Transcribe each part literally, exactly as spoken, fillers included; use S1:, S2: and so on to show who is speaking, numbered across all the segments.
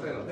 S1: ಅರ್ಥ ಏನು?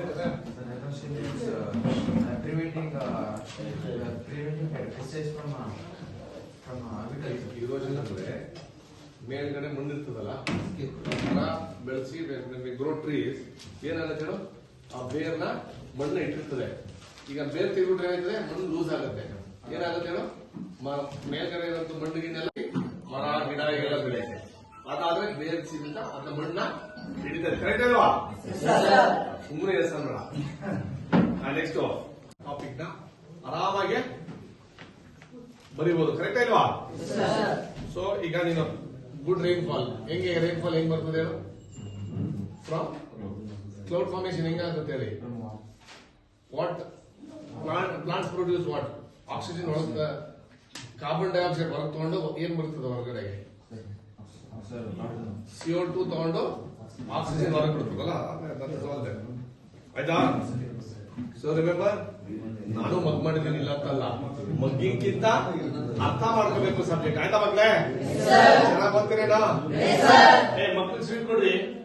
S2: preventing uh, preventing pesticides from uh, from agriculture.
S1: ಇರೋಷನ್ ಅಂದ್ರೆ ಮೇಲ್ಗಡೆ ಮಣ್ಣಿರ್ತದಲ್ಲ, ಮರ ಬೆಳೆಸಿ ಗ್ರೋ ಟ್ರೀಸ್ ಏನಾಗುತ್ತೆ ಹೇಳು, ಆ ಬೇರ್ನ ಮಣ್ಣು ಇಟ್ಟಿರ್ತದೆ. ಈಗ ಬೇರ್ ತೆಗೆದ್ಬಿಟ್ರೆ ಏನಾಯ್ತದೆ, ಮಣ್ಣು ಲೂಸ್ ಆಗುತ್ತೆ. ಏನಾಗುತ್ತೆ ಹೇಳು, ಮೇಲ್ಗಡೆ ಇರೋಂಥ ಮಣ್ಣಿಗೆಲ್ಲ ಮರ ಗಿಡ ಎಲ್ಲ ಬೆಳೆಯುತ್ತೆ. ಅದಾದ್ರೆ ಬೇರ್ಸಿದಿಂದ ಅದ ಮಣ್ಣ ಹಿಡಿತದೆ. ಕರೆಕ್ಟ್ ಅಲ್ವಾ? ಸುಮ್ಮನೆ ಎಸ್ ಅನ್ಬೇಡ. ನೆಕ್ಸ್ಟ್ ಟಾಪಿಕ್ ನ ಆರಾಮಾಗಿ ಬರೀಬಹುದು. ಕರೆಕ್ಟ್ ಅಲ್ವಾ? ಸೊ ಈಗ ನೀನು ಗುಡ್ ರೈನ್ ಫಾಲ್ ಹೆಂಗೆ, ರೈನ್ ಫಾಲ್ ಹೆಂಗ್ ಬರ್ತದೆ ಹೇಳು? ಫ್ರಮ್ ಕ್ಲೌಡ್ ಫಾರ್ಮೇಶನ್ ಹೆಂಗಾಗುತ್ತೆ ಹೇಳಿ? What plant plants produce what? Oxygen ಒಳಗ ಕಾರ್ಬನ್ ಡೈಆಕ್ಸೈಡ್ ಹೊರಗೆ ತಗೊಂಡು ಏನ್ ಬರ್ತದೆ ಹೊರಗಡೆಗೆ? ಸಿಒ ಟು ತಗೊಂಡು ಆಕ್ಸಿಜನ್ ಹೊರಗೆ ಬಿಡ್ತದಲ್ಲ, ಆಯ್ತಾ? ಸೊ ರಿಮೆಂಬರ್, ನಾನು ಮಗ್ ಮಾಡಿದ್ದೀನಿ ಇಲ್ಲ ಅಂತಲ್ಲ, ಮಗ್ಗಿಂಕಿಂತ ಅರ್ಥ ಮಾಡ್ಕೋಬೇಕು ಸಬ್ಜೆಕ್ಟ್. ಆಯ್ತಾ ಮಕ್ಳೇ? ಚೆನ್ನಾಗಿ ಬರ್ತೀರೇನಾ? ಏ ಮಕ್ಳಿಗೆ ಸ್ವೀಟ್ ಕೊಡ್ರಿ.